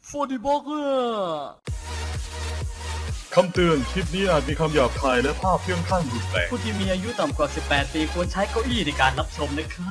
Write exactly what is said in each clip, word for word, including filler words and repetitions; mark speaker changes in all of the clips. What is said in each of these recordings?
Speaker 1: ฟอร์ดิบอกเกอร์
Speaker 2: คำเตือนคลิปนี้อาจมีคำหยาบคายและภาพเพื่องข้างรุนแรง
Speaker 1: ผู้ที่มีอายุต่ำกว่า สิบแปด ปีควรใช้เก้าอี้ในการรับชมนะครับ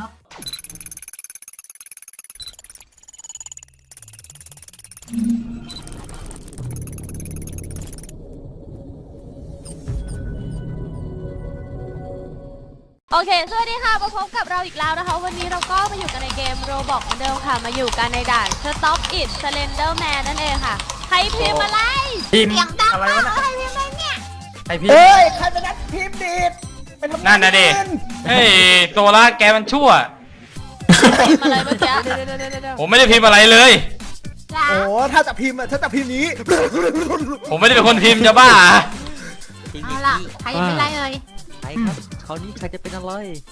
Speaker 3: โอเค สวัสดีค่ะ มาพบกับเราอีกแล้วนะคะ วันนี้เราก็มาอยู่กันในเกม Roblox เหมือนเดิมค่ะ มาอยู่กันในด่าน Stop It Slenderman นั่นเองค่ะ ใครพิมพ์อะไร
Speaker 4: พิมพ์
Speaker 3: เสียงดัง
Speaker 4: อะไร
Speaker 3: มาก
Speaker 4: วะ
Speaker 3: ใครพิมพ์อะไรเนี่ย
Speaker 4: ไอพิมพ์
Speaker 5: เฮ้ยใครเป็นนักพิมพ์ดีดไปทำงา
Speaker 4: นั่นนะดิ เฮ้ยโซล่าแกมันชั่ว
Speaker 3: พิมพ์อะไรเมื่อกี้
Speaker 4: ผมไม่ได้พิมพ์อะไรเลย
Speaker 3: จ้า
Speaker 5: โอ้ถ้าจะพิมพ์อะถ้าจะพิมพ์นี้
Speaker 4: ผมไม่ได้เป็นคนพิมพ์จะบ้า
Speaker 3: เอาล่ะ ใครพิมพ์อะไรเอ่ย
Speaker 1: ใครครับคราวนี้ใครจะเป็นอะไร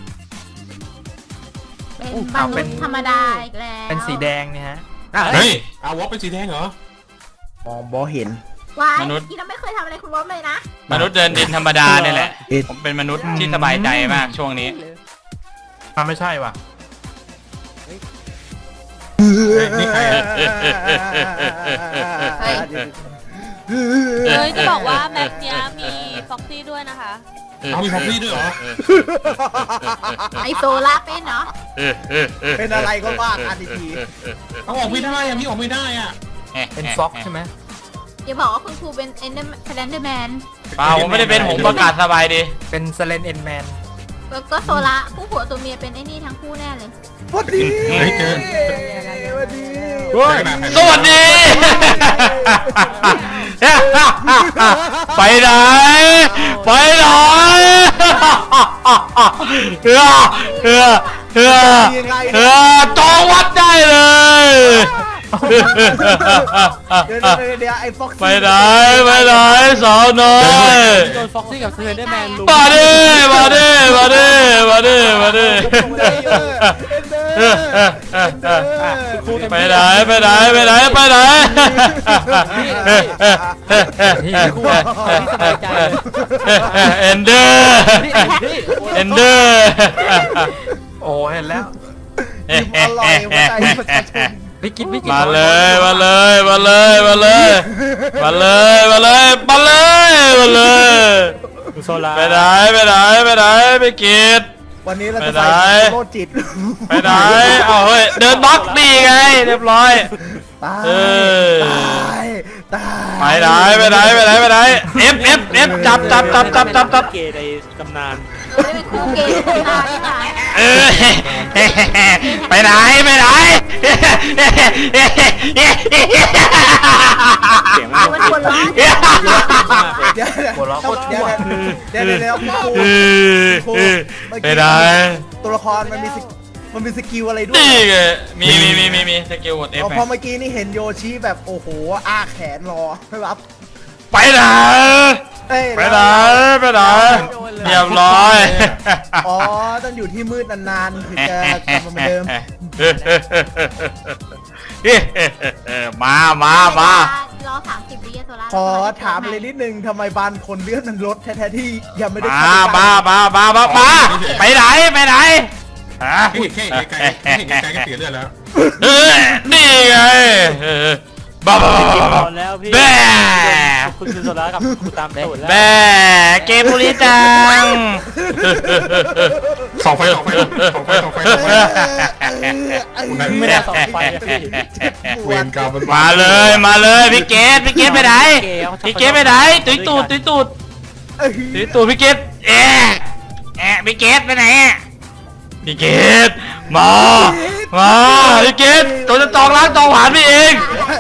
Speaker 3: เป็น
Speaker 4: อู้
Speaker 3: ม
Speaker 4: เอา
Speaker 3: นุ
Speaker 4: เป็
Speaker 3: ษ
Speaker 4: น
Speaker 3: ย์ธรรมดาอีกแล้ว
Speaker 4: เป็นสีแดงเนี่ยฮะ
Speaker 6: เฮ้ยอาวอเป็นสีแดงเหรอ
Speaker 5: มองบอเห็น
Speaker 3: ว้าย
Speaker 4: มนุษย์
Speaker 3: อีเราไม่เคยทำอะไรคุณวอมเลยนะ
Speaker 4: มนุษย์เดินดินธรรมดาเนี่ยแหละ
Speaker 5: เอ็ด
Speaker 4: ผมเป็นมนุษย์ที่สบายใจมากช่วงนี้มันไม่ใช่ว่ะ
Speaker 6: นี่ใครอะ
Speaker 3: เฮ้ย เฮ้ยจะบอกว่าแมปเนี้ยมีฟ็อกซี่ด้วยนะคะ
Speaker 6: เอามีพ็อกซี่ด้วยเหรอ
Speaker 3: ไอโซล่าเป็นเนาะ
Speaker 5: เป็นอะไรก็ว่ากันอีกที
Speaker 6: เอาออกไม่ได้อะมีออกไม่ได้อะ
Speaker 4: เป็นฟ็อกใช่ไหม
Speaker 3: อย่าบอกว่าคุณครูเป็นเอ็นเดอร์แลนเดอร์แมน
Speaker 4: เปล่าผมไม่ได้เป็นผมประกาศสบายดี เป็นสเลนเอ็นแมน
Speaker 3: แล้วก็โซล่าคู่ผัวตัวเมียเป็นไอ้นี่ทั้งคู่แน่เลย
Speaker 5: สวัสดี
Speaker 6: เฮ้ยเกิน
Speaker 5: สวัสดี
Speaker 4: สวัสดี ไปไหน ไปไหนเฮือเฮือเฮือเฮือจองวัดได้เลย
Speaker 5: เดี๋ยวเดี๋ยวเดี๋ยวไอ้ฟ็อกซี่
Speaker 4: ไปไหน ไปไหนสาวน้อย
Speaker 1: โดนฟ็อกซี่กับเซเลนเดอร์แมนลุม
Speaker 4: มาดิมาดิมาดิมาดิมาดิ
Speaker 5: เอ็นเดอร์เอ็นเดอร์
Speaker 4: ไปไหนไปไหนไปไหนไปไหน
Speaker 1: ครูที่สบายใจเลย
Speaker 4: เอนเดอร์
Speaker 1: นี่นี่
Speaker 4: เอนเดอร์โอ้เห็นแล้ว
Speaker 5: พิมพ์อร่อยหัวใจประชาชน
Speaker 1: พี่กินพี่กิน
Speaker 4: มาเลยมาเลยมาเลยมาเลยมาเลยมาเลยมาเลยมาเลย
Speaker 1: โซล่า
Speaker 4: ไปไหนไปไหนไปไหนไปกิน
Speaker 5: วันนี้เรา
Speaker 4: ไป
Speaker 5: จะ
Speaker 4: ไหน
Speaker 5: ใส่โลจิต
Speaker 4: ไปไหนเอาเฮ้ยเดินบล็อกนี่ไงเรียบร้อย
Speaker 5: ตาย
Speaker 4: เออ
Speaker 5: ตายตาย
Speaker 4: ไปไหนไปไหนไปไหนไปไหนเอฟเอฟเอฟจับจับจับจับจับจับ
Speaker 1: เกย์ในตำนาน
Speaker 3: ไม่ได้เป็นคู่เกย์ในตำนานนี่หว่า
Speaker 4: เออไปไหนไปไหน
Speaker 1: เสียงมัน
Speaker 3: มันคนร้อน
Speaker 5: เดี๋ยวเดี๋ยว
Speaker 4: หัวเราะโคตรชั่
Speaker 5: เดี๋ยว
Speaker 4: ว
Speaker 5: เดี๋ยวเดี๋ยวเดี๋ยวครู
Speaker 4: เออ
Speaker 5: ครู
Speaker 4: เออ
Speaker 5: เมื่อ
Speaker 4: ไป
Speaker 5: กี้
Speaker 4: ไหน
Speaker 5: ตัวละครมันมีสกมันมีสกิลอะไรด้วย
Speaker 4: นี่ไงมีมีมีมีมีสกิลกดเอฟ
Speaker 5: เอาพอเมื่อกี้นี่เห็นโยชิแบบโอ้โหอ้าแขนรอไม่รับ
Speaker 4: ไปไหน
Speaker 5: เอ้ย
Speaker 4: ไปไหนไปไหนเรียบร้อย
Speaker 5: อ๋อต้องอยู่ที่มืดนานๆถึงจะกลับมาเหมือนเดิม
Speaker 4: มามามา
Speaker 3: รอสามสิบวิโซล่า
Speaker 5: ขอถามเลยนิดนึงทำไมบานคนเลือดมันลดแท้ๆที่ยังไม่ได้
Speaker 4: มา
Speaker 5: เข้าไป
Speaker 4: มามามามามาไปไหนไปไหนฮะ
Speaker 6: แค่แค่ไกลแค่ไกลก็เสียเลือดแล้ว
Speaker 4: เอ้ยนี่ไงบ้าบ้าบ้าบ้าบ้า
Speaker 1: ตอนแล้วพี่
Speaker 4: แบ่
Speaker 1: คุณคือโซล่ากับคุณตามตูดแล้ว
Speaker 4: แบ่เกมบุรีจัง
Speaker 6: สองไฟสองไฟสองไฟสองไฟสองไฟ
Speaker 1: ไม่ได้สองไฟอะพี่
Speaker 6: เวรกรรมมัน
Speaker 4: มาเลยมาเลยพี่เกดพี่เกดไปไหนพี่เกดไปไหนตุ้ยตูดตุ้ยตูดตุ้ยตูดพี่เกดแอะแอะพี่เกดไปไหนพี่เกดมามาพี่เกดตัวจะจองร้านจองหวานพี่เอง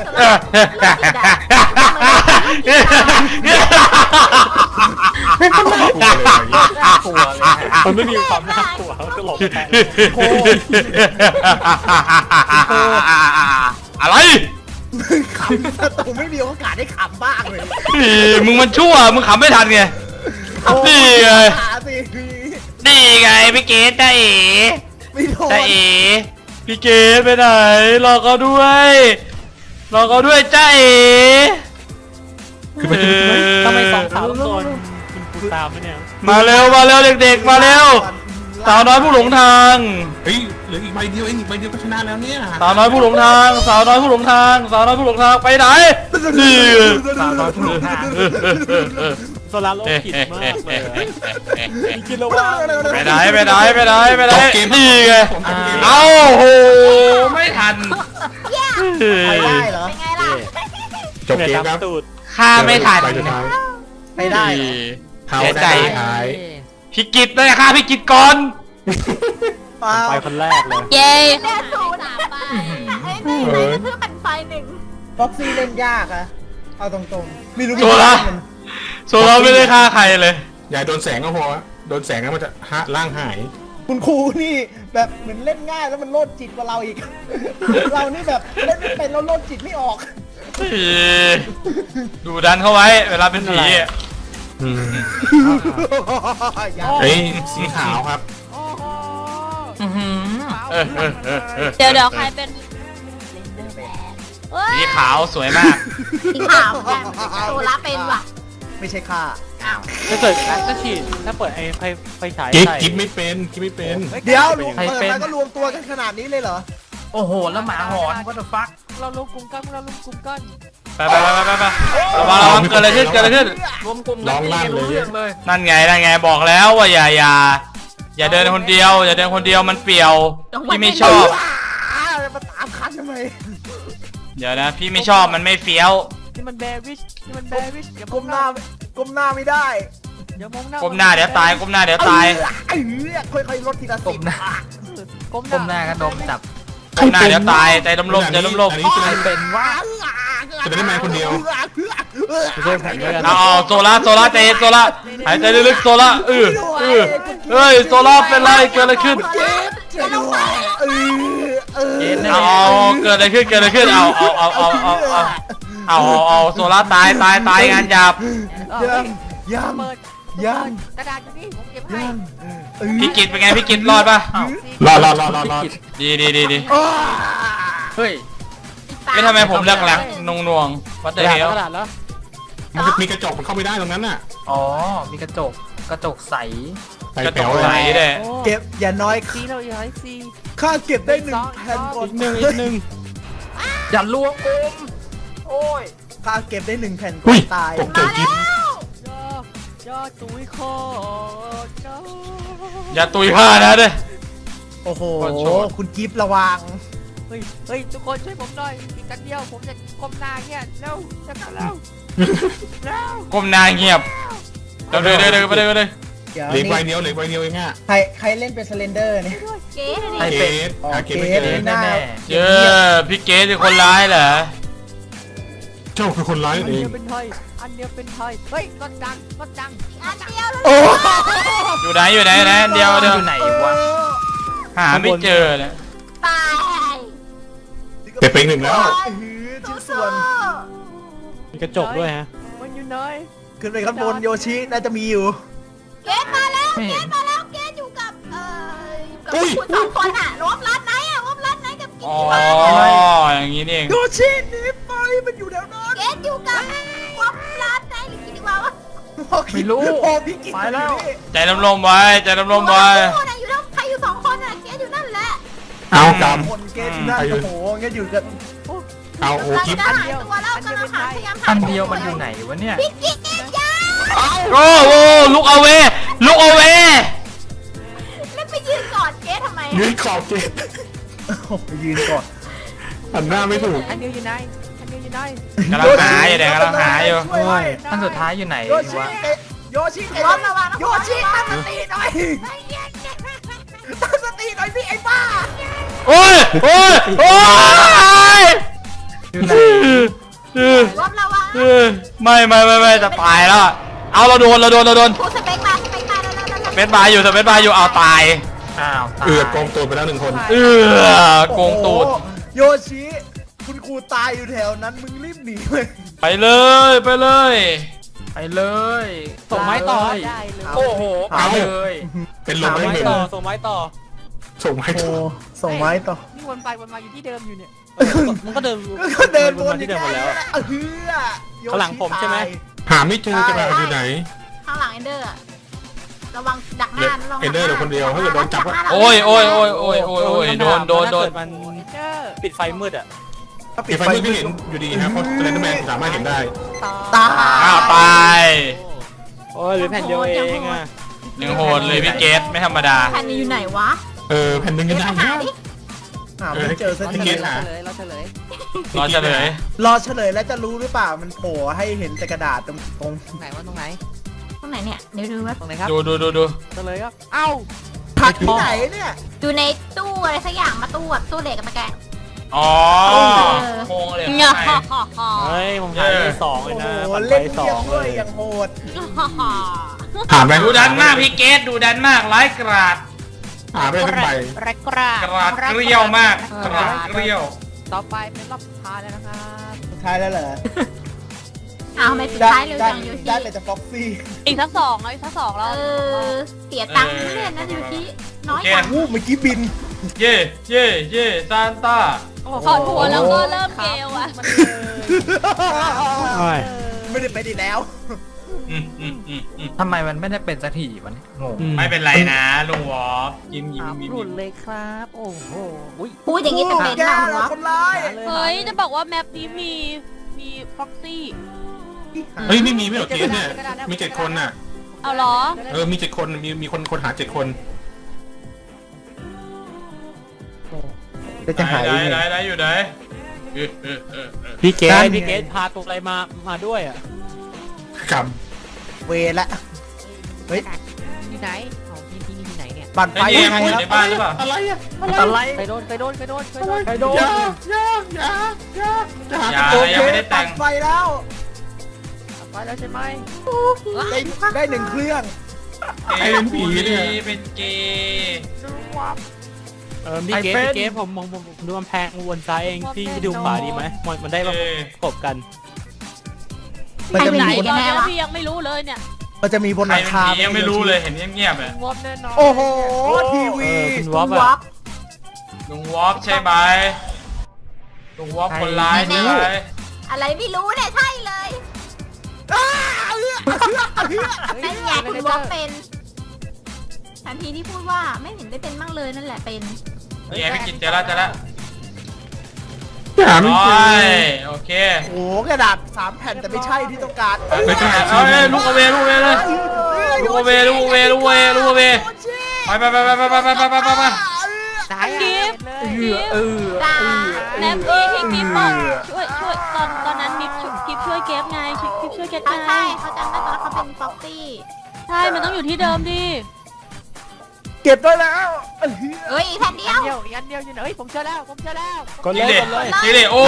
Speaker 1: มันไม่มีความน่ากลัวมันก็หลบแทน
Speaker 4: อะไร
Speaker 5: ขำประตูไม่มีโอกาสได้ขำบ้างเลย
Speaker 4: มึงมันชั่วมึงขำไม่ทันไงนี่ไง
Speaker 5: หาสิ
Speaker 4: นี่ไงพี่เกดได้เอ๋
Speaker 5: ไม่โดน
Speaker 4: ได้เอ๋พี่เกดไปไหนรอเขาด้วยรอเขาด้วยจ้าเอ๋
Speaker 6: คือมัน
Speaker 1: ทำไมสองสาวต้องโดนคุณครูตามไหมเนี่ย
Speaker 4: มาเร็วมาเร็วเด็กๆมาเร็ว
Speaker 5: ร
Speaker 4: สาวน้อยผู้หลงทาง
Speaker 6: เฮ้ยเหลืออีกใบเดียวเองอีกใบเดียวก็ชนะแล้วเนี่ย
Speaker 4: สาวน้อยผู้หลงทาง สาวน้อยผู้หลงทาง สาวน้อยผู้หลงทางไปไหนนี่
Speaker 7: สาวน้อยผู้หลงทางโซลาร์โลกิดมากเลยมีกินแล้วว่า
Speaker 4: ไปไหนไปไหนไปไหนไปไหน
Speaker 6: จบเกม
Speaker 4: นี่ไง
Speaker 6: ผมจบเกม
Speaker 4: เอ้าโหไม่ทัน
Speaker 5: ไปได้เหรอ
Speaker 3: เป็นไงล่ะ
Speaker 6: จบเกมครับ
Speaker 7: ตูด
Speaker 4: ฆ่าไม่ทัน
Speaker 6: ใบสุดท้าย
Speaker 5: ไปได้เหรอ
Speaker 6: เขา
Speaker 4: เสียใจ
Speaker 6: ได้ท้าย
Speaker 4: พี่กิตได้ฆ่าพี่กิตก่อน
Speaker 5: เปล่า
Speaker 7: ไปคนแรกเลย
Speaker 3: เย้
Speaker 8: แค่ศูนย์
Speaker 3: สามไป
Speaker 8: ไอ้นี่ไอ้นี่คือเป็นไฟหนึ่ง
Speaker 5: บ็อกซี่เล่นยากอะเอาตรงๆไม่รู้
Speaker 4: โซล่าโซล่าไม่ได้ฆ่าใครเลย
Speaker 6: อย่าโดนแสงก็พอโดนแสงแล้วมันจะฮะร่างหาย
Speaker 5: คุณครูนี่แบบเหมือนเล่นง่ายแล้วมันโลดจิตกว่าเราอีก เรานี่แบบเล่นไม่เป็นเราโลดจิตไม่ออก
Speaker 4: ดูดันเข้าไว้ เวลาเป็นผีอะ
Speaker 6: เฮ้ยสีขาวครับ
Speaker 4: เออเออเออเออ
Speaker 3: เดี๋ยวเดี๋ยวใครเป็นเฮ้ย
Speaker 4: สีขาวสวยมาก
Speaker 8: สีขาวเหมือนกันโซล่าเป็นว่ะ
Speaker 5: ไม่ใช่ค่า
Speaker 8: อ้าว
Speaker 7: ถ้าเกิดถ้าฉีดถ้าเปิดไอ้ไฟไฟฉาย
Speaker 6: กิ๊บ
Speaker 7: ใส่
Speaker 6: กิ๊บไม่เป็นกิ๊บไม่เป็น
Speaker 5: เดี๋ยวรวม
Speaker 7: ใคร
Speaker 5: เปิด
Speaker 7: เป็น
Speaker 5: มาก็รวมตัวกันขนาดนี้เลยเหรอ
Speaker 1: โอ้โห แล้วหมาหอน what the fuck
Speaker 7: เราลงกลุ่มกันเราลงกลุ่มกัน
Speaker 4: ไปไปไปไปไประวังระวังเกิดอะไรขึ้นเกิดอะไรขึ้น
Speaker 1: รวมกลุ่ม
Speaker 6: ร้องลั่นเลย
Speaker 1: เรื่องเลย
Speaker 4: นั่นไงนั่นไงบอกแล้วว่าอย่าอย่าอย่าเดินคนเดียว อย่าเดินคนเดียวมันเปลี่ยวพี่ไม่ชอบ
Speaker 5: อ้าวมาตามคันทำไม
Speaker 4: เดี๋ยวนะพี่ไม่ชอบมันไม่เฟี้ยว
Speaker 7: นี่มันแบริชนี่มันแบริชอย่าม
Speaker 5: ก้มหน้าก้มหน้าไม่ได้
Speaker 7: อย่ามองหน้า
Speaker 4: ก้มหน้าเดี๋ยวตายก้มหน้าเดี๋ยวตาย
Speaker 5: เอ้ยค่อยๆลดทีละสิบ
Speaker 7: ก้มห
Speaker 1: ก้มห
Speaker 7: น้า
Speaker 1: น้ากระดมจับ
Speaker 4: ก้มหน้าเดี๋ยวตายใจลมลมใจลมลม
Speaker 6: อันนี้จะได้
Speaker 1: เป็นว่า
Speaker 6: จะได้แมนคนเดียว
Speaker 7: ไม่ใช่ผมด้วยกัน
Speaker 4: เอาเอาโซล่าโซล่าใจเย็นโซล่าหายใจลึกๆโซล่าเออเออเฮ้ยโซล่าเป็นไรเกิดอะไรขึ้น
Speaker 5: ช่วยด้วยเออเออ
Speaker 1: เย็นนะ
Speaker 4: เอาเอาเกิดอะไรขึ้นเกิดอะไรขึ้นเอาเอาเอาเอาเอาเอาเอาเอาเอาโซล่าตายตายตายงานหยาบ
Speaker 5: ยังยัง
Speaker 7: เปิด
Speaker 5: ยัง
Speaker 7: กระดาษอยู่นี่ผมเก็บให้
Speaker 5: ยังเออ
Speaker 4: พี่กิตเป็นไงพี่กิตรอดปะ
Speaker 6: รอดรอดรอดรอดรอด
Speaker 4: ดีดีดีดี
Speaker 5: อ้า
Speaker 1: เฮ้ย
Speaker 4: ไม่ทำไมผมเลือกหลังนงนวงวัด
Speaker 7: ก
Speaker 4: เด
Speaker 7: ระดาษ
Speaker 4: เฮล
Speaker 7: กระดาษแล้ว
Speaker 6: มันจะมีกระจกมันเข้าไม่ได้ตรงนั้นน่ะ
Speaker 1: อ๋อ มีกระจก กระจกใส
Speaker 6: ใส่
Speaker 4: กระจ
Speaker 6: แป๋
Speaker 4: ก
Speaker 6: วเล
Speaker 4: ใส
Speaker 6: ย
Speaker 4: เลย
Speaker 5: เก็บอย่าน้อย
Speaker 7: ซีเราอย่าให้ซี
Speaker 5: ค่าเก็บได้หนึ่งแผ่นก่อน
Speaker 7: อีกหนึ่งอีกหนึ่ง
Speaker 1: อย่าลวงอมโอ้ย
Speaker 5: ค่าเก็บได้หนึ่งแผ่นก่
Speaker 6: อุ้
Speaker 5: อย นตาย
Speaker 6: ตกใจกิ๊บ
Speaker 7: ย่อย่อตุ้ยคอเนาะ
Speaker 4: อย่าตุยผ้านะเด้อ
Speaker 5: โอ้โห
Speaker 4: ขอโทษ
Speaker 5: คุณกิฟต์ระวัง
Speaker 7: เฮ้ยเฮ้ยทุกคนช่วยผมหน่อยอีกกันเดียวผมจะก้มหน้าเงี้ยเร็วจะกลับเร็วเร็ว
Speaker 4: ก้มหน้าเงียบเดี๋ยวเดี๋ยวเดี๋ยวเดี๋ยวไปเลยไปเลย
Speaker 5: เดี๋ยว
Speaker 6: เหลือ
Speaker 5: นี่
Speaker 6: ใบเดียวเหลือใบเดียวเองอ่ะ
Speaker 5: ใครใครเล่นเป็นสเลนเดอร์เนี่ย
Speaker 8: เก๋เลย
Speaker 1: ให้
Speaker 8: ดิ
Speaker 6: เก
Speaker 1: เป็น
Speaker 6: ต
Speaker 5: อ๋อ
Speaker 6: หาเกตไม่
Speaker 5: เก
Speaker 6: เจ
Speaker 5: ต
Speaker 6: อ
Speaker 5: หน้า
Speaker 1: แน่
Speaker 4: เจอพี่เกสเป็นคนร้ายเหรอ
Speaker 6: เจ้าคือคนร้าย
Speaker 7: อัน
Speaker 6: เอ
Speaker 7: เดี
Speaker 6: ง
Speaker 7: ยวเป็นไทยอันเดียวเป็นไทยเฮ้ยรถดังรถดัง
Speaker 8: อันเดียวเลย
Speaker 5: โอ้
Speaker 4: อยู่ไหนอยู่ไหนไหนเดียวเดียว
Speaker 1: อยู่ไหนวะ
Speaker 4: หาไม่เจอเลย
Speaker 8: ตาย
Speaker 6: เก็บไปอีกหนึ่งแล้ว
Speaker 5: หือชิ้นส่วน
Speaker 7: มีกระจกด้วยฮะมันอยู่ไหน
Speaker 5: ขึ้นไปข้างบนโยชิน่าจะมีอยู่
Speaker 8: เกตมาแล้ว
Speaker 1: ไม่
Speaker 8: เก
Speaker 1: เห็
Speaker 8: ต
Speaker 1: น
Speaker 8: มาแล้วเกตอยู่กับเอ่อกับ
Speaker 6: อุ้ย
Speaker 8: คุณสองคนอ่ะรวมร้านไหนอ่ะรวมร้านไหนกับกิน
Speaker 4: อ๋อ อย่างนี้นี่เอง
Speaker 5: โยชิหนีไปมันอยู่แถวนั้น
Speaker 8: เกตอยู่กับรวมร้านไหนหรือกินดีกว่าวะ
Speaker 1: ไม่รู้
Speaker 5: โอ้พี่กิฟต์
Speaker 1: ไปแล้ว
Speaker 5: อยู่นี่
Speaker 4: ใจลมลมไว้ใจลมลมไว้
Speaker 8: คู่น่ะอยู่แล้วใครอยู่สองคนอ่ะเกตอยู่นั่นแหละ
Speaker 6: เอาก
Speaker 5: คนเกตอยู่นั่นโอ้โหงั้นอยู่กับ
Speaker 6: ำเอาโอ้กิ๊บ
Speaker 8: กำลังจะหายตัวแล้วกำลังหาพยายามหา
Speaker 1: อันเดียวมันอยู่ไหนวะเนี่ย
Speaker 8: พี่กิ๊กยา
Speaker 4: โอ้โหลุกเอาเวลุกเอาเว
Speaker 8: แล้วไปยืนกอดเกตทำไม
Speaker 6: ยื
Speaker 8: อ่ะ
Speaker 6: นขอบเกต
Speaker 5: โอ้โหยืนก่อน
Speaker 6: หันหน้าไม่ถูก
Speaker 7: อันเดียวอยู่ไหนอันเดียวอยู่ไหน
Speaker 4: กำลังหาอยู่เดี๋ยวกำลังหาอยู่
Speaker 5: ช่วยหน่อย
Speaker 1: อันสุดท้ายอยู่ไหน
Speaker 5: โยชิ
Speaker 1: วะ
Speaker 5: โยชิ
Speaker 8: ร้อนระวังนะ
Speaker 5: โยชิตั้งสติหน่อยตั้งสติหน่อยสิไอ้บ้า
Speaker 4: โอ้ยโอ้ยโอ้ย
Speaker 1: อยู่ไหน
Speaker 4: เออ
Speaker 8: ร้อนระวัง
Speaker 4: เออไม่ไม่ไม่ไม่จะตายแล้วอะเอาเราโดนเราโดนเราโดน
Speaker 8: พูดสเปคมาสเปคมาแล้วแล้วแล้ว
Speaker 4: เม็ดบายอยู่แต่เม็ดบายอยู่เอาตาย
Speaker 1: อ้าวตาย
Speaker 6: เอือดกองตัวไปแล้วหนึ่งคน
Speaker 4: เออโกงตูด
Speaker 5: โอ้โหโยชิคุณครูตายอยู่แถวนั้นมึงรีบหนีเลย
Speaker 4: ไปเลยไปเลย
Speaker 1: ไปเลย
Speaker 7: ส่งไม้ต่อ
Speaker 1: เลย
Speaker 7: ได้เลย
Speaker 1: โอ้โหไปเลย
Speaker 6: เป็นล
Speaker 7: ส่
Speaker 6: ม
Speaker 7: ง
Speaker 6: ไม่
Speaker 7: ไม้
Speaker 6: เป็น
Speaker 7: ต่อส่งไม้ต่อ
Speaker 6: ส่งให้
Speaker 5: โอ้
Speaker 6: ถูก
Speaker 5: ส่งไม้ต่อ
Speaker 7: นี่วนไปวนมาอยู่ที่เดิมอยู่เนี่ยมันก็เดิน
Speaker 5: ก็เดินว
Speaker 7: วน
Speaker 5: น
Speaker 7: มาที่เดิมหมดแล้ว
Speaker 5: เออโยชิ
Speaker 7: ข้างหลังผมใช่ไหม
Speaker 5: ตาย
Speaker 6: หาไม่เจอจะมาอยู่ไหน
Speaker 8: ข้างหลังเอนเดอร์อะระวังดักห
Speaker 6: เหลื
Speaker 8: น้า
Speaker 6: อ
Speaker 8: ระวัง
Speaker 6: เอนเดอร์เหลือคนเดียวถ้าเกิดโดนจับก็
Speaker 4: โอ้ยโอ้ยโอ้ยโอ้ยโอ้ยโอ้ยโดนโดนโดน
Speaker 7: มันปิดไฟมืดอ่ะ
Speaker 5: ถ้า
Speaker 6: ปิดไฟมืดไม่เห็นอยู่ดีครับเพราะสเลนเดอร์แมนสามารถเห็นได้
Speaker 5: ตา
Speaker 4: อ้าวตาย
Speaker 7: โอ้ยเหรือแผ่นเดียวเองอ่ะ
Speaker 4: ยังโหดเลยพี่เกตไม่ธรรมดา
Speaker 8: แผ่นนี้อยู่ไหนวะ
Speaker 6: เออแผ่นหนึ่ง
Speaker 8: เก
Speaker 6: ก็
Speaker 8: ส
Speaker 6: ได้
Speaker 8: หา
Speaker 6: นะ
Speaker 8: ดิ
Speaker 5: หาไม่เจอสัก
Speaker 6: พี่
Speaker 5: ที
Speaker 6: เกตหา
Speaker 7: เราเฉลย
Speaker 4: รอเฉลย
Speaker 5: รอเฉลยแล้วจะรู้หรือเปล่ามันโผล่ให้เห็นแต่กระดาษตรงตรง
Speaker 7: ตรงไหนวะตรงไหน
Speaker 8: ตรงไหนเนี่ยเดี๋ยวดูว่า
Speaker 7: ตรงไหนครับ
Speaker 4: ดูดูดูดู
Speaker 7: เฉลยครับเอ้า
Speaker 5: ผักที่ไหนเนี่ย
Speaker 8: อยู่ในตู้อะไรสักอย่างมาตู้แบบตู้เหล็กกับตะแกรง
Speaker 4: อ๋อ
Speaker 8: เออ
Speaker 4: โมงเลย
Speaker 3: เงา
Speaker 4: ข้างใน
Speaker 3: ฮ่าฮ่า
Speaker 7: เฮ้ยผมหายไปสอง
Speaker 5: โอ้
Speaker 7: เลย
Speaker 5: โห
Speaker 7: นะปันไป
Speaker 5: เล่น
Speaker 7: สอ
Speaker 5: เยี่ยม
Speaker 7: ง
Speaker 5: เล
Speaker 7: เลย ย
Speaker 5: อย่างโหด
Speaker 3: ฮ่าฮ่า
Speaker 6: ถามไป
Speaker 4: ดูดันมากพี่เกตดูดันมากร้ายกราด
Speaker 6: หาไปทั้งใบ
Speaker 3: แรกกราก
Speaker 4: ราดเกลียวมากกราดเกลียว
Speaker 7: ต่อไปเป็นรอบสุดท้ายแล้วนะครับ
Speaker 5: สุดท้ายแล้วเหรอ
Speaker 8: อ้าวทำไมสุด
Speaker 5: ได้
Speaker 8: ท้ายเร็ว
Speaker 5: ได้
Speaker 8: จังยู
Speaker 5: ได้
Speaker 8: ชิ
Speaker 5: แต่จะฟ็อกซี่
Speaker 3: อีกสักสองเอาอีกสักสอง
Speaker 8: เอ
Speaker 3: แล้ว
Speaker 8: อเสียตังค์ไม่เล่นนะยูชิน้อยจัง
Speaker 5: วู้เมื่อกี้บิน
Speaker 4: เย่เย่เย่ซานต้า
Speaker 3: ถอดหัวแล้วก็เริ่มเกลอะ
Speaker 5: ไม่ได้ไปดีแล้ว
Speaker 4: อืมอืมอืมอืม
Speaker 9: ทำไมมันไม่ได้เป็นสักทีวะเนี่ยงง
Speaker 4: ไม่เป็นไรนะลุงวอฟยิ้มยิ้ม
Speaker 7: สาม
Speaker 4: ยิ้ม
Speaker 7: รุ่
Speaker 4: ยิ้
Speaker 7: น
Speaker 4: ม
Speaker 7: เลยครับโอ้โหอุ้ย
Speaker 8: พูดอย่างนี้จะเป็น
Speaker 5: แก
Speaker 8: หรอ
Speaker 5: เรา
Speaker 8: วะ
Speaker 5: คนร้าย
Speaker 3: เฮ้ยจะบอกว่าแมปนี้มีมีฟ็อกซี่
Speaker 6: เฮ้ยไม่มีไม่หรอกเกสเนี่ยมีเจ็ดคนน่ะ
Speaker 3: เอาเหรอ
Speaker 6: เออมีเจ็ดคนมีมีคนคนหาเจ็ดคน
Speaker 5: ก็จะหาย
Speaker 4: ไหน
Speaker 5: ไง
Speaker 4: ไหนไหนอยู่ไหนเออเออเออเออ
Speaker 7: พี่เก
Speaker 5: นั่
Speaker 7: ด
Speaker 5: นไง
Speaker 7: พี่เกดพาตัวอะไรมามาด้วยอ่ะ
Speaker 6: กรรม
Speaker 5: เวรละเฮ้ย
Speaker 7: ที่ไหนของพี่ที่นี่ที่ไหนเนี่ย
Speaker 5: ปั่นไฟ
Speaker 4: ไอ้นี่
Speaker 5: ยังไง
Speaker 4: อยู่
Speaker 5: ค
Speaker 4: ใน
Speaker 5: รับ
Speaker 4: บ้านหรือเปล่า
Speaker 6: อะไรอะ
Speaker 9: อะไร
Speaker 7: ใครโดนใครโดนใครโดนใครโดน
Speaker 5: ใครโดน
Speaker 6: อย่าอย่าอย่าอย่าจะหา
Speaker 4: อย่า
Speaker 5: โอเค
Speaker 4: ยังไม่ได้แต่
Speaker 5: ปั่
Speaker 4: ง
Speaker 5: นไฟแล้ว
Speaker 7: ไปแล้วใช่ไหม
Speaker 5: ได้ได้หนึ่งเครื่อง
Speaker 6: ใครเป็นผีเนี่ย
Speaker 4: เป็นเกย์
Speaker 7: เออพี่เกดพี่เกดผมผมผมผมดูกำแพงวนซ้ายเองพี่ดูขวาดีไหมมันมันได้แบบประกบกัน
Speaker 5: มันจะ
Speaker 3: ไหน
Speaker 5: มีบน
Speaker 3: กันแน่วะพี่ยังไม่รู้เลยเนี่ย
Speaker 5: มันจะมีบน
Speaker 4: ใค
Speaker 5: ห
Speaker 4: ร
Speaker 5: ลัง
Speaker 4: เป็น
Speaker 5: คา
Speaker 4: ผียังไม่รู้เลยเห็นเงียบๆเลย
Speaker 7: วอปแน่นอน
Speaker 5: โอ้โหที
Speaker 7: เอ
Speaker 5: วี
Speaker 7: อคุณ
Speaker 8: ว
Speaker 7: ว
Speaker 8: อ
Speaker 7: อ
Speaker 8: ป
Speaker 7: ปอ่ะ
Speaker 4: ลุงวอฟใช่ไหมลุงวอฟคนร้ายใช่ไหม
Speaker 8: อะไรไม่รู้เนี่ยใช่เลยนั่นไงคุณวอปเป็นทันทีที่พูดว่าไม่เห็นได้เป็นมั่งเลยนั่นแหละเป็น
Speaker 4: นี่ไงพี่กินเจอแล้วเจอแล้ว
Speaker 6: หาไม่
Speaker 4: โอ้
Speaker 6: เจอย
Speaker 4: โอเค
Speaker 5: โอ้โหกระดาษสามแผ่นแต่ไม่ใช่ที่ต้องการ
Speaker 6: ไม่ใช่
Speaker 4: เอาเลยลูกเอาเวลูกเอาเวเลย ลูกเอาเวลูกเอาเวลูกเอาเวลูกเอาเวไปไปไปไปไปไปไปไปไปไป
Speaker 7: ไหนอ่ะเห็นเลย
Speaker 9: เออ
Speaker 8: จ้า
Speaker 3: แมปนี้ที่กิฟบอกช่วยช่วยตอนตอนนั้นกิฟช่วยกิฟช่วยเกฟไงกิฟช่วยเกฟ
Speaker 8: เขา
Speaker 3: ไง
Speaker 8: ใช่เขาจำได้ตอนเขาเป็นฟ็อกซี่
Speaker 3: ใช่มันต้องอยู่ที่เดิมดิ
Speaker 5: เก็บได้แล้ว
Speaker 8: เฮ้ยอีกแผ่นเดียว
Speaker 7: เดียวอีกอันเดียวอยู่ไหนเฮ้ยผมเจอแล้วผมเจอแล้ว
Speaker 4: กดเลยกดเลยนี่เลยโอ้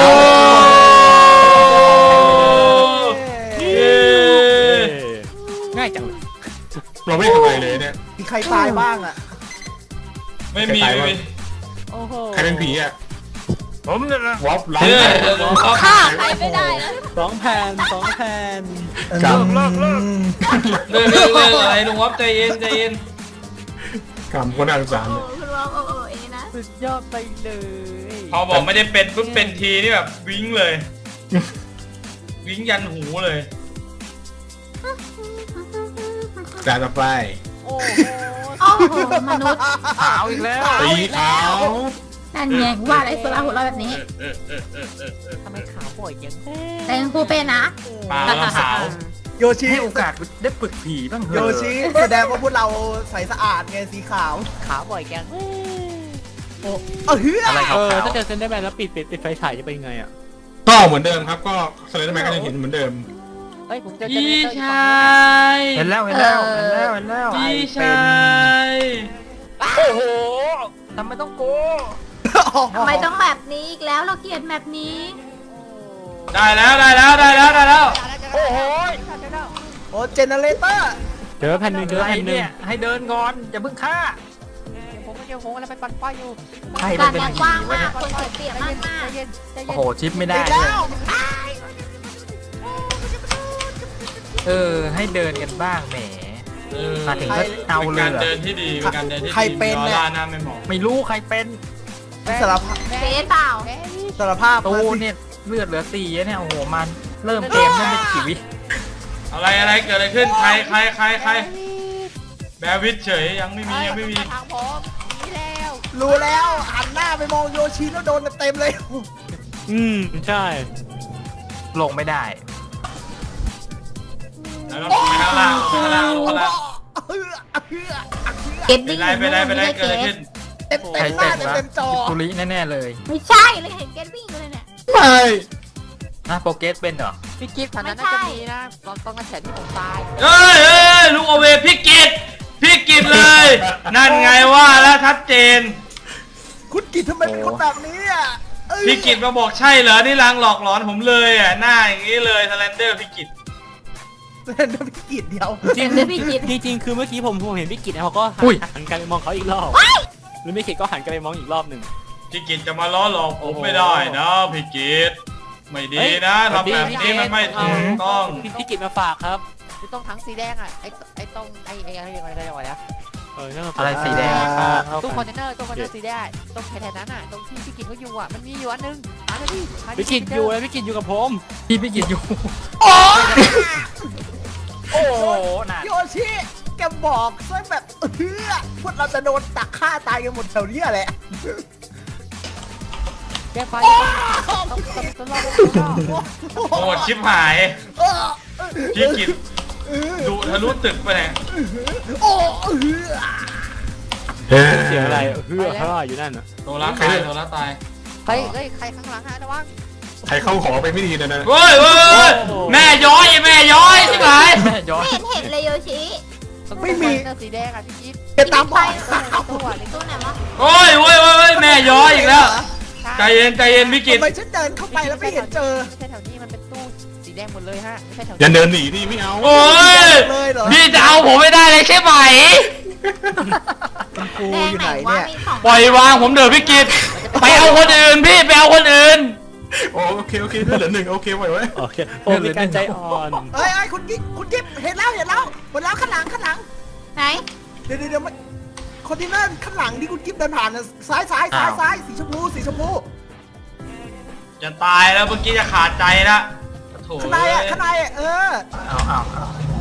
Speaker 4: เย้
Speaker 7: ง่ายจังเลย
Speaker 6: เราไม่ได้ทำอะไรเลยเนี่ย
Speaker 5: มีใครตายบ้างอ่ะ
Speaker 4: ไม่มีไม่มี
Speaker 7: โอ้โห
Speaker 6: ใครเป็นผีอ่ะ
Speaker 4: ผมเนี่ยนะ
Speaker 6: วอฟล้าง
Speaker 4: เฮ้ย
Speaker 3: ฆ่าใครไม่ได้นะ
Speaker 7: สองแผ่นสองแผ่น
Speaker 6: กรรม
Speaker 4: เลิกเลิกเลิกเลิกเลิกอะไรลุงวอฟใจเย็นใจเย็น
Speaker 6: กรรมคนน่าสงสาร
Speaker 8: โอ้
Speaker 6: เลย
Speaker 8: คุณวอปโอ้โอ้เอนะ
Speaker 7: สุดยอดไปเลย
Speaker 4: พอบอกไม่ได้เป็นปุ๊บเป็นทีนี่แบบวิ้งเลยวิ้งยันหูเลย
Speaker 6: จ่าต่อไป
Speaker 7: โอ้โห
Speaker 8: โอ้โหมนุษย์
Speaker 9: ขาวอีกแล้ว
Speaker 6: สีขาว
Speaker 8: นั่นไงว่าอะไรโซล่าหัวเราะแบบนี้
Speaker 4: เออเออเออเออเออ
Speaker 7: ทำไมขาวบ่อยจัง
Speaker 8: แต่คุณครูเป็นนะ
Speaker 4: ปลาแล้วขาว
Speaker 5: โยชิ
Speaker 9: ให้โอกาสได้ฝึกผีบ้างเถ
Speaker 5: โย
Speaker 9: อะ
Speaker 5: ชิแสดงว่าพวกเราใสสะอาดไงสีขาว
Speaker 7: ขาวบ่อยจัง
Speaker 5: โอ้เออเฮ้ย
Speaker 9: อะไร
Speaker 7: เอ
Speaker 9: ขาว
Speaker 7: อถ้าเจอเซนเดอร์แมนแล้วปิดปิดปิดไฟฉายจะเป็นยังไงอ่ะ
Speaker 6: ก็เหมือนเดิมครับก็สเลนเดอร์แมนก็ยังเห็นเหมือนเดิม
Speaker 7: เฮ้ยผมเจอเจเน
Speaker 4: พี่
Speaker 7: เตอร์
Speaker 4: ชาย
Speaker 9: ๆเห็นแล้วเห็นแล้วเห็นแล้วเห็นแล้ว
Speaker 4: พี่ชาย
Speaker 9: โอ้โหทำไมต้องโก
Speaker 8: ทำไมต้องแบบนี้อีกแล้วเราเกลียดแบบนี้
Speaker 4: ได้แล้วได้แล้วได้แล้วได้แล้ว
Speaker 7: โอ้โห
Speaker 5: โอ้เจเนเรเตอร์
Speaker 7: เจอแผ่นหนึ่งเจอ
Speaker 9: อะไร
Speaker 7: แผ่นหนึ่ง
Speaker 9: เนี่ยให้เดินก่อนอย่าเพิ่งฆ่า
Speaker 7: ผมไม่เจอผมอะไรไปปั่นไฟอยู่
Speaker 9: ใคร
Speaker 8: กา
Speaker 9: มัน
Speaker 8: ร
Speaker 9: เป็น
Speaker 8: แบบ
Speaker 9: ผี
Speaker 8: กว้าง
Speaker 9: วะ
Speaker 8: มา
Speaker 9: เนี่ย
Speaker 8: กคนเสียเปรียบมาก
Speaker 7: ใจ
Speaker 8: มาก
Speaker 7: เย็นใจเย็น
Speaker 9: โอ้โหชิปไม่ได้
Speaker 5: ติด
Speaker 9: เล
Speaker 5: แล้
Speaker 9: ยว เออให้เดินกันบ้างแหม มาถึงก็เอาเลย
Speaker 4: เป็น
Speaker 9: เหรอ
Speaker 4: การเดินที่ดีเป็นการเดินที่ดี
Speaker 5: ใครเป็น
Speaker 4: ล้อ
Speaker 5: เนี่ย
Speaker 4: ล่าหน้าไม่หมอง
Speaker 9: ไม่รู้ใครเป็น
Speaker 5: สารภาพ
Speaker 8: เฟซเปล่า
Speaker 5: สารภาพ
Speaker 9: ตู
Speaker 5: มาสิ
Speaker 9: เนี่ยเลือดเหลือสี่เนี่ยโอ้โหมันเริ่มเกมเริ่มไม่กี่วิ
Speaker 4: อะไรอะไรเกิดอะไรขึ้นใครใครใครใครแบร์วิทเฉยยังไม่มียังไม่มี
Speaker 8: ทางผมนี่แล้ว
Speaker 5: รู้แล้วหันหน้าไปมองโยชิแล้วโดนเต็มเลย
Speaker 7: อืมใช่
Speaker 9: ลงไม่ได้
Speaker 4: แล้วเราไปข้างล่างข้างล่างข้างล่าง
Speaker 8: เก็ต
Speaker 4: เป็
Speaker 8: วิ่
Speaker 4: น
Speaker 8: ง
Speaker 4: ไรเป็นไรเป็นไรเกิดอะไรขึ้น
Speaker 5: เต็มเต็มหน้าเต็มเต็มจอ
Speaker 9: ตุลิแน่ๆเลย
Speaker 8: ไม่ใช่เลยเห็นเก็ตวิ่งเลยเนี่ย
Speaker 6: ไม่
Speaker 9: นะโปรเกสเป็นเหรอ
Speaker 8: พี่กิฟต์ทางนั้นน่าจะมีนะตอนตอนกระแสที่ผมตาย
Speaker 4: เอ้ยเอ้ยลูกโอเวพี่กิตพี่กิตเลย นั่นไงว่าแล้วชัดเจน
Speaker 5: คุณกิตทำไมเป็นคนแบบนี้อ่ะเอ้ย
Speaker 4: พี่กิตมาบอกใช่เหรอนี่ลางหลอกหลอนผมเลยอ่ะหน้าอย่างนี้เลยสแลนเดอร์พี่กิต
Speaker 5: เล่นด้วยพี่กิตเดียว
Speaker 7: จริง
Speaker 8: เห็นพี่กิต
Speaker 7: จริงจริงๆคือเมื่อกี้ผมผมเห็นพี่กิตเขาก็หัน
Speaker 9: อุ้ย
Speaker 7: หันกลันไปมองเขาอีกรอบหรือพี่กิตก็หันกลันไปมองอีกรอบหนึ่ง
Speaker 4: พี่กิตจะมาล้อหลอกผมไม่ได้นะพี่กิตไม่ดี
Speaker 7: เฮ้ย
Speaker 4: นะ
Speaker 7: สวัส
Speaker 4: ทำ
Speaker 7: ดี
Speaker 4: แบบนี้มันไม่ถูกต้อง
Speaker 7: พี่พี่กิตมาฝากครับ
Speaker 8: ที่ต้องทั้งสีแดงอ่ะไอ้ไอ้ตรงไอ้ไอ้อะไรอะไรอะไรวะ
Speaker 7: เออนั่นมัน
Speaker 9: อะไรสีแดง
Speaker 7: อ่าเข้า
Speaker 8: ตู้
Speaker 7: ไป
Speaker 8: คอนเทนเนอร์ตู้คอนเทนเนอร์สีแดงตรงแถวๆนั้นอ่ะตรงที่พี่กิตเขาอยู่อ่ะมันมีอยู่อันนึงหาเลยพี่หาดิ
Speaker 7: พี่กิตอยู่แล้วพี่กิตอยู่กับผม
Speaker 9: พี่พี่กินอยู่
Speaker 5: โอ้
Speaker 9: โอ้โหหนา
Speaker 5: โยชิแกบอกซะแบบเออพวกเราจะโดนตักฆ่าตายกันหมดแถวเนี้ยแหละ
Speaker 8: แกไฟต้องต้องต้องรอต้องรอ
Speaker 4: โหดชิบหาย
Speaker 5: เออ
Speaker 4: พี่กิตดุทะลุตึกไปไหน
Speaker 5: โอ้เออ
Speaker 7: เสียงอะไรเฮือเขาว่าอยู่นั่นน่ะ
Speaker 4: โซล่าตายโซล่าตาย
Speaker 8: เฮ้ยเฮ้ยใครข้างหลังฮะระวัง
Speaker 6: ใครเข้าหอไปไม่ดีนะนะ
Speaker 4: เฮ้ยเฮ้ยแม่ย้อยแม่ย้อยใช่ไหม
Speaker 9: แม่ย้อน
Speaker 8: ไม่เห็นเห็นเลยโยชิไม่มีสีแดงอ่ะพี่กิต
Speaker 5: แกตามบอก
Speaker 8: ตัวในตู้ไหนวะ
Speaker 4: โอ้ยโอ้ยโอ้ยแม่ย้อยอีกแล้วใจเย็นใจเย็นพี่กิต
Speaker 5: ทำไมฉันเดินเข้าไปแล้วไม่เห็นเจอ
Speaker 8: ไม่ใช่แถวนี้มันเป็นตู้สีแดงหมดเลยฮะไม่ใช่แถว
Speaker 6: อย่าเดินหนีดิไม่เอา
Speaker 4: โอ้ย
Speaker 5: เลยเหรอ
Speaker 4: พี่จะเอาผมไม่ได้เลยใช่ไหม
Speaker 5: กู
Speaker 8: แด
Speaker 5: อง ยู่
Speaker 8: ไห
Speaker 5: ไห
Speaker 8: น
Speaker 5: น
Speaker 8: วะ
Speaker 5: เนี่ย
Speaker 8: มีสอง
Speaker 4: ปล่อยวางผมเถอะพี่กิตไปเอาคนอื่นพี่ไปเอาคนอื่น
Speaker 6: โอเคโอเคเหลือหนึ่งโอเคไหวไว้
Speaker 7: โอเคผมมีการใจอ่อน
Speaker 5: เอ้ยเอ้ยคุณกิ๊กคุณกิ๊บเห็นแล้วเห็นแล้วหมดแล้วข้างหลังข้างหลัง
Speaker 8: ไหน
Speaker 5: เดี๋ยวเดี๋ยวเดี๋ยวมันคอนเทนเนอร์ข้างหลังที่คุณกิ๊บเดินผ่านน่ะซ้ายซ้ายซ้ายซ้ายสีชมพูสีชมพู
Speaker 4: จะตายแล้วเมื่อกี้จะขาดใจละโถ่
Speaker 5: ข้างในอ่ะข้างในอ่ะเออ
Speaker 9: เอาเอาเอา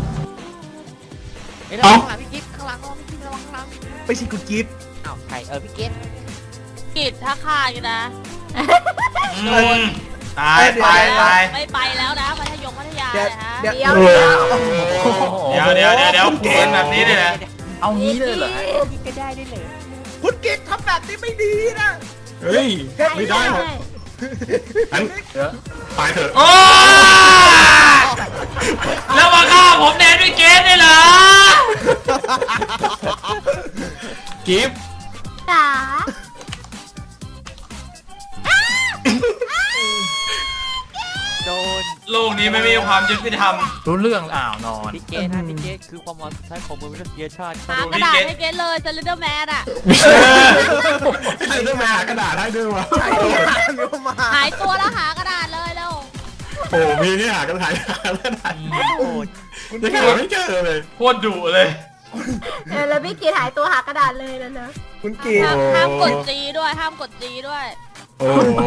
Speaker 8: เฮ้ยระวังข้างหลังพี่กิ๊ฟข้างหลังระวังพี่กิ๊ฟระวังข้างหลัง
Speaker 5: ไม่ใช่คุณกิ๊บ
Speaker 8: อ้าวใครเออพี่กิ๊ฟ
Speaker 3: กิตถ้าขาดอยู่นะ
Speaker 4: อืมตายตายตาย
Speaker 3: ไม่ไปแล้วนะมัธยมพัทยา
Speaker 5: เดี๋ยว
Speaker 3: เลยฮะ
Speaker 5: เดี๋ยว
Speaker 8: เดี๋ยว
Speaker 5: เดี๋ยว
Speaker 4: เดี๋ยวเดี๋ยวเดี๋ยวเดี๋ยวเป็นแบบนี้เลยนะ
Speaker 9: เอางี้เลยเหรอ
Speaker 8: พี่ก็ได้ได้เลย
Speaker 5: คุณกิ๊บทำแบบนี้ไม่ดีนะ
Speaker 6: เฮ้ยไม่ได้หรอกอัน
Speaker 9: เดี๋ยว
Speaker 6: ตายเถอะ
Speaker 4: โอ้ยแล้วมาฆ่าผมแดนด้วยเกสได้เหรอ
Speaker 6: กิฟต์
Speaker 8: จ๋า โดน
Speaker 4: โลกนี้ไม่มีความยุติธรรม
Speaker 9: รู้เรื่องอ้าวนอน
Speaker 7: พี่เกตนะพี่เกตคือความมอนใช้ของมนุษยชาติ
Speaker 3: หากระดาษให้เกตเลยสลิเดอร์แมนอ่ะ
Speaker 6: ใช่ด้วยมาหากระดาษได้ด้วยวะ
Speaker 5: ใช่เดี๋ยวมา
Speaker 3: หายตัวแล้วหากระดาษเลยแล้ว
Speaker 6: โอ้มีนี่หากระดาษหากระดาษ
Speaker 7: โอ้ย
Speaker 6: ยังหาไม่เจอเลย
Speaker 4: โคตรดุเลย
Speaker 8: เออแล้วพี่กีหายตัวหากระดาษเลยแล้วเนอะ
Speaker 5: คุณกิ๊บ
Speaker 3: ห้ามห้ามกดจีด้วยห้ามกดจีด้วย
Speaker 6: โอ้โห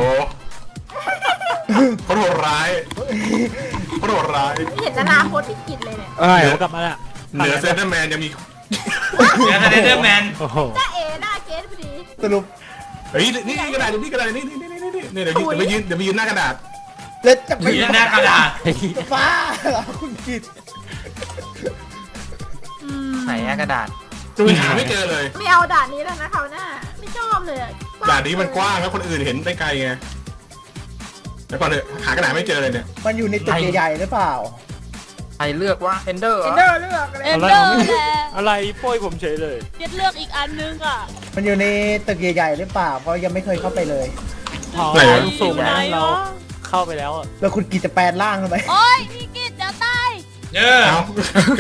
Speaker 6: เขาโหดร้ายเขาโหดร้าย
Speaker 8: ไม่เห็นอนาคตพี่กิจเลยเนี่ย
Speaker 7: เอ้ยผมกลับมาละ
Speaker 6: เหนือเซนเตอร์แมนยังมี
Speaker 4: เดี๋ยวเดอร์แมน
Speaker 7: โอ้โห
Speaker 8: จ้าเอ๋หน้าเกสพอดี
Speaker 5: สรุป
Speaker 6: เฮ้ยนี่กระดาษนี่กระดาษนี่นี่นี่นี่นี่เดี๋ยวไปยืนเดี๋ยวไปยืนหน้ากระดาษ
Speaker 5: แล้วจะไป
Speaker 4: ยืนหน้ากระดาษ
Speaker 5: ฟ้าเหรอคุณกิ๊บ
Speaker 9: ไหนอะกระดาษ
Speaker 6: จูนหาไม่เจอเลย
Speaker 8: ไม่เอาด่านนี้แล้วนะเขาวหน้าไม่ชอบเลยอะ
Speaker 6: ด่านนี้มันกว้างแล้วคนอื่นเห็นได้ไกลไงแล้วก่อนเถอะหากระดาษไม่เจอเลยเนี่ย
Speaker 5: มันอยู่ในตึกใหญ่ๆหรือเปล่า
Speaker 9: ใครเลือกว่าเอนเดอร์
Speaker 5: เอนเดอร์เลือกอะไร
Speaker 3: เอ็นเดอร์แหละ
Speaker 7: อะไรโป้ยผมเฉยเลย
Speaker 3: เกตเลือกอีกอันนึงอ่ะ
Speaker 5: มันอยู่ในตึกใหญ่ๆหรือเปล่า เพราะยังไม่เคยเข้าไปเลย
Speaker 7: อ๋อสูงนะเราเข้าไปแล้วอะ
Speaker 5: แล้วคุณกิ๊บจะแปลงร่างทำไม
Speaker 3: โอ้ยพี่กิตเดี๋ยวตาย
Speaker 4: เยอะ
Speaker 6: เอา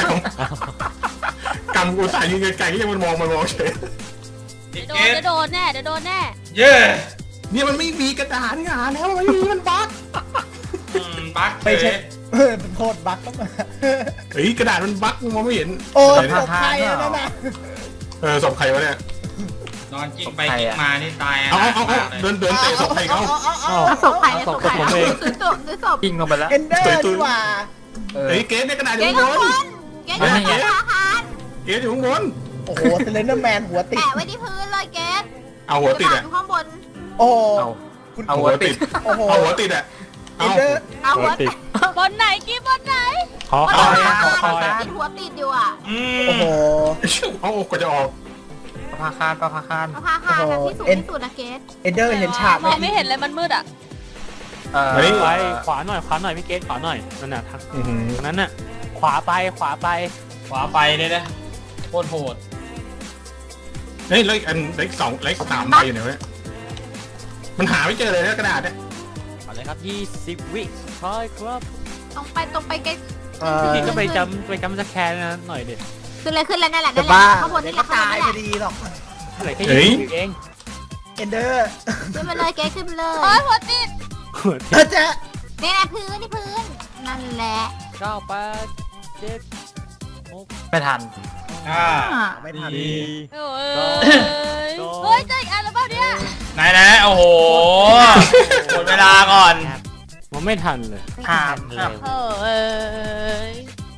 Speaker 6: กำกูสายยืนไกลๆก็ยังมันมองมันมองเฉย
Speaker 4: พี่
Speaker 3: โด
Speaker 4: เก
Speaker 3: น
Speaker 4: ส
Speaker 3: จะโดนแน่เดี๋ยวโดนแน่
Speaker 4: เยอะ
Speaker 6: เนี่ยมันไม่มีกระดาษงานแล้วมันไม่มีมันบั๊ก
Speaker 4: อืมบั๊ก
Speaker 5: ไม่
Speaker 4: เฉ
Speaker 5: ใช่
Speaker 4: ย
Speaker 5: เออเป็นโทษบั๊กเข้ามา
Speaker 6: เฮ้ยกระดาษมันบั๊กมองไม่เห็น
Speaker 5: โอ้ยตกใครอะนั่นน่ะ
Speaker 6: เออศพใครวะเนี่ย
Speaker 4: นอนกิ้งไปกิ้งมานี่ตาย
Speaker 6: เอาเอาเอา
Speaker 4: มากเลย
Speaker 6: เดินเดินเตะศพใครเขา
Speaker 7: อ๋อ
Speaker 8: เอาศพใครเนี่ยศพใครซื้อศพซื้อศพ
Speaker 9: กิ้งลงไปแล้ว
Speaker 5: เอนเดอร์ดีกว่า
Speaker 9: เออ
Speaker 6: เฮ้ยเกสเนี่ยกระดาษอ
Speaker 8: เก
Speaker 6: ยู่
Speaker 8: ส
Speaker 6: บ
Speaker 8: ข้างบ
Speaker 6: น
Speaker 8: นเกสข้างบนธนาคาร
Speaker 6: เกกสอยู่ข้างบน
Speaker 5: โอ้โหเซเลนเดอร์แมนหัวติด
Speaker 8: แปะไว้ที่พื้นเลยเกส
Speaker 6: เอาหัวติด
Speaker 8: กระ
Speaker 6: อ่ะ
Speaker 8: ดาษอยู่ข้างบน
Speaker 5: โอ้โห
Speaker 9: เอา
Speaker 5: คุณ
Speaker 9: เอาหัวติด
Speaker 5: โอ้โห
Speaker 6: เอาหัวติดอ่ะ
Speaker 5: เอ
Speaker 6: เอา
Speaker 5: นเดอร์
Speaker 8: เอาหัว
Speaker 7: ติด
Speaker 3: บนไหนกี้บนไหน
Speaker 7: ขอ
Speaker 8: มัน
Speaker 7: คอย
Speaker 8: ติด
Speaker 7: ขอคอย
Speaker 8: ติดหัวติดอยู่อ่ะ
Speaker 4: อืม
Speaker 5: โอ้โห
Speaker 6: เอากว่าจะออก
Speaker 9: ประภาคารประภาคาร
Speaker 8: เอาผ้าคาดแบบที่สูงที่สุดนะเกส
Speaker 5: เอนเดอร์เห็นฉากไห
Speaker 3: มองไม่เห็นเลยมันมืดอ่ะ
Speaker 9: เอ่อ
Speaker 6: มานี่
Speaker 7: ไปขวาหน่อยขวาหน่อยพี่เกตขวาหน่อยนั่นน่ะทาง
Speaker 6: อื้อหือ
Speaker 7: ตรงนั้นน่ะขวาไปขวาไป
Speaker 4: ขวาไปเลยนะโคตรโหด
Speaker 6: เฮ้ยแล้วอีกอันเล็กสองเล็กสามใบอยู่ไหนวะเนี่ยมันหาไม่เจอเลยนะกระดาษเนี่ย
Speaker 7: เอาเลยครับยี่สิบวิคอยครับ
Speaker 8: ตรงไปตรงไปเกส
Speaker 5: เอ่อ
Speaker 7: พี่ก็ไปจำไปจำสแกนนะหน่อยดิ
Speaker 8: ขึ้นเลยขึ้นเลยนั่นแหละ
Speaker 5: จะ
Speaker 8: นั่นแห
Speaker 5: บ้า
Speaker 8: ละข้างบน
Speaker 5: เดี๋ย
Speaker 8: นี่
Speaker 5: ว
Speaker 8: แห
Speaker 5: ก็
Speaker 8: ละข้างบน
Speaker 5: ตาย
Speaker 8: นี่แห
Speaker 5: พอ
Speaker 8: ละ
Speaker 5: ดีหรอก
Speaker 7: เหลือแค่ยี่สิบวิเอง
Speaker 5: เอนเดอร์
Speaker 8: ขึ้นไปเลยเกสขึ้นไปเลย
Speaker 3: โอ้ยหัวติด
Speaker 7: หัว
Speaker 5: เออเจ๊
Speaker 8: นี่แหละพื้นนี่พื้นนั่นแหละ
Speaker 7: เก้าแปดเจ็ดหก
Speaker 9: ไม่ทัน
Speaker 4: อ่า
Speaker 8: อ่ะ
Speaker 5: ไม่ทัน
Speaker 7: สี่
Speaker 3: โอ้ยเฮ้ยเจออีกอันแล้วเปล่าเนี่ย
Speaker 4: ไหนไหนโอ้โหหมดเวลาก่อน
Speaker 7: มันไม่ทันเลย
Speaker 9: ห้ามเลย
Speaker 3: โอ้เอ้ย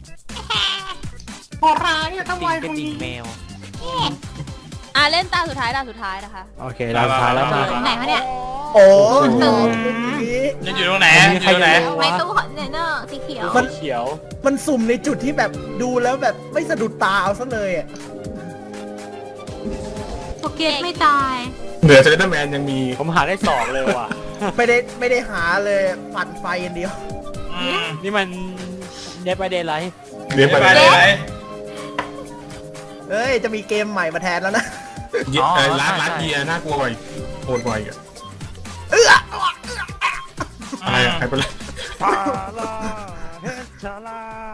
Speaker 6: พอร้ายอะทำไม
Speaker 7: กระดิ่งแมว
Speaker 3: อ่ะเล่นตาสุดท้ายตาสุดท้ายนะคะ
Speaker 7: โอเคเราสุดท้ายแล้วมา
Speaker 8: ไหนคะเนี่ย
Speaker 5: โอ้
Speaker 7: โอ้โห
Speaker 5: โหเมื่อกี้
Speaker 4: จะอยู่ตรงไหนอยู่ตรงไหน
Speaker 8: ในตู้คอนเทนเนอร์สีเขียว
Speaker 5: มัน
Speaker 7: เขียว
Speaker 5: มันสุ่มในจุดที่แบบดูแล้วแบบไม่สะดุดตาเอาซะเลยอ่ะ
Speaker 8: โปเกตไม่ตาย
Speaker 6: เหนือเซเลนเดอร์แมนยังมี
Speaker 7: ผมหาได้สองเลยว่ะ
Speaker 5: ไม่ได้ไม่ได้หาเลยปั่นไฟอย่างเดียว
Speaker 4: อืม
Speaker 7: นี่มันเดบไปเดย์ไลท์
Speaker 6: เรียนไป
Speaker 4: ไป
Speaker 6: เล
Speaker 4: เลย ย
Speaker 5: เฮ้ย จะมีเกมใหม่มาแทนแล้วนะ
Speaker 6: เยเอ่อร้านร้านเบียร์น่ากลัวกว่าอีกโหดกว่าอีกอะ
Speaker 5: เอื้อ
Speaker 6: อะไรอะใครเป็นไร
Speaker 7: ชาลาเฮชาลา